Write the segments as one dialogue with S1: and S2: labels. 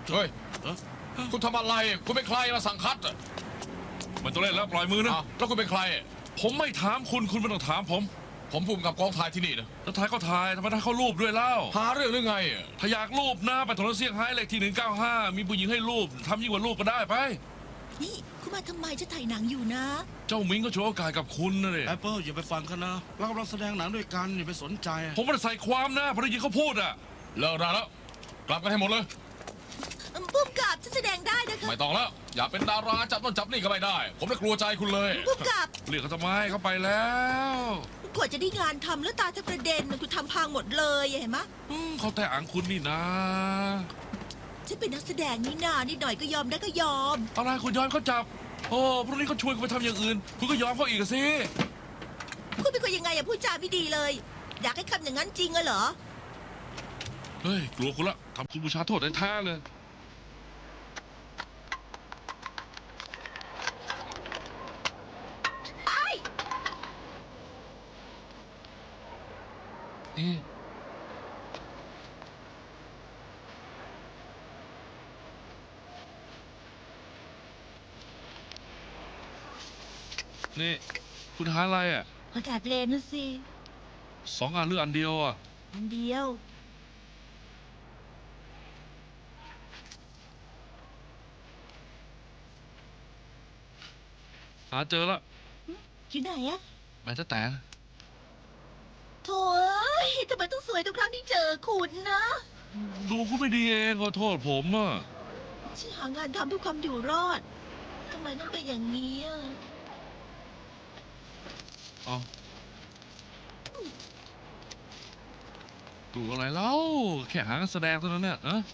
S1: เฮ้ยคุณทำอะไรคุณเป็นใครมาสั่งคัดอ่ะ
S2: มันต้องเล่นแล้วปล่อยมือนะ
S1: อ้าวแล้วคุณเป็นใคร
S2: ผมไม่ถามคุณไม่ต้องถามผม
S1: ผมภูมิกับกองถ่ายที่นี่นะ
S2: แล้วถ่ายก็ถ่ายทำไมถ่ายเข้ารูปด้วยเล่า
S1: หาเรื่องหรือไง
S2: ถ้าอยากรูปนะไปถนนเซี่ยงไฮ้เลขที่195มีผู้หญิงให้รูปทำยิ่งกว่ารูปก็ได้ไป
S3: นี่คุณมาทำไมจะถ่ายหนังอยู่นะ
S2: เจ้ามิงก็โชว์โอกาสกับคุณนะเนี่ย
S4: แอปเปิลอย่าไปฟังเขานะเรากำลังแสดงหนังด้วยกันอย่าไปสนใจ
S2: ผมไม่ได้ใส่ความนะพอได้ยินเขาพูดอะ
S1: เลิกได้แล้ว กลับกันให้หมดเลย
S3: ปุ้มกับจะแสดงได้นะคะ
S1: ไม่ต้องแล้ว อย่าเป็นดาราจับต้นจับนี่ก็ไม่ได้ ผมไม่กลัวใจคุณเลย
S3: ปุ้มกับ
S2: เรียกเขาทำไมเขาไปแล้ว
S3: กว่าจะได้งานทำแล้วตาจะกระเด็นคุณทำพังหมดเลยเห็นไหม
S2: เขาแต่อังคุณนี่นะ
S3: ฉันเป็นนักแสดงนี่นานิดหน่อยก็ยอมได้ก็ยอม
S2: อะไรคุณยอมเขาจับโอ้พรุ่งนี้เขาชวนคุณไปทำอย่างอื่น คุณก็ยอมเขาอีกอะสิ
S3: คุณเป็นคนยังไงอะพูดจาไม่ดีเลย อยากให้คำอย่างนั้นจริงเหรอ
S2: เฮ้ยกลัวคุณละทำคุณบูชาโทษแท้ๆเลยเอ๊ะนี่คุณหาอะไรอ่ะ
S3: อากาศเลนนะสิ
S2: 2 อันหรืออันเดียวอ่ะ
S3: อันเดียว
S2: หาเจอละ
S3: อยู่ไหนอะ
S2: แม่แต่
S3: โถ่เอ้ยทำไมต้องสวยทุกครั้งที่เจอคุณนะ
S2: ดูคุณไม่ดีเองขอโทษผมอ่ะ
S3: ฉันหางานทำเพื่อความอยู่รอดทำไมต้องเป็นอย่างนี้อะ
S2: เอาดูอะไรเล่าแค่หางานแสดงเท่านั้นเนี่ยอะ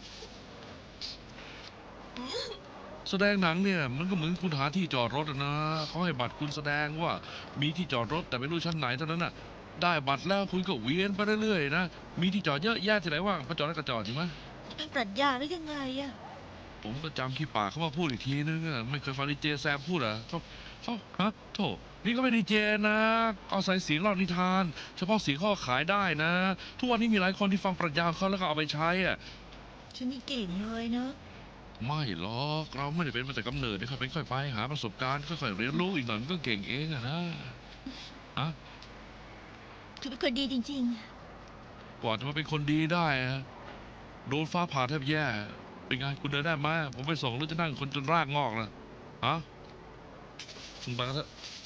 S2: แสดงหนังเนี่ยมันก็เหมือนคุณหาที่จอดรถอะนะเขาให้บัตรคุณแสดงว่ามีที่จอดรถแต่ไม่รู้ชั้นไหนเท่านั้นน่ะได้บัตรแล้วคุณก็เวียนไปเรื่อยๆนะมีที่จอดเยอะแยะที่ไหนว่างก็จอดแล้วก็จอดจริงไหม
S3: เป็นปรัชญาหรือยังไงอะ
S2: ผมก็จำขี้ปากเขามาพูดอีกทีนึงอะไม่เคยฟังดีเจแซมพูดอ่ะเขาฮะโถนี่ก็ไม่ดีเจนะเอาใส่เสียงเล่านิทาน เฉพาะเสียงเขาก็ขายได้นะ ทุกวันนี้มีหลายคนที่ฟังปรัชญาของเขาแล้วก็เอาไปใช้อ่ะ
S3: ฉันนี่เก่งเลยนะ
S2: ไม่หรอกเราไม่ได้เป็นมาแต่กำเนิดค่อยเป็นค่อยไปหาประสบการณ์ค่อยๆเรียนรู้อีกหน่อยมันก็เก่งเองอะนะอะ
S3: คือเป็นคนดีจริง
S2: กว่าจะมาเป็นคนดีได้อะโดนฟ้าผ่าแทบแย่เป็นไงคุณเดินได้ไหมผมไปส่งหรือจะนั่งคนจนรากงอกนะฮะคุณไปกันเถอะ
S3: ๆ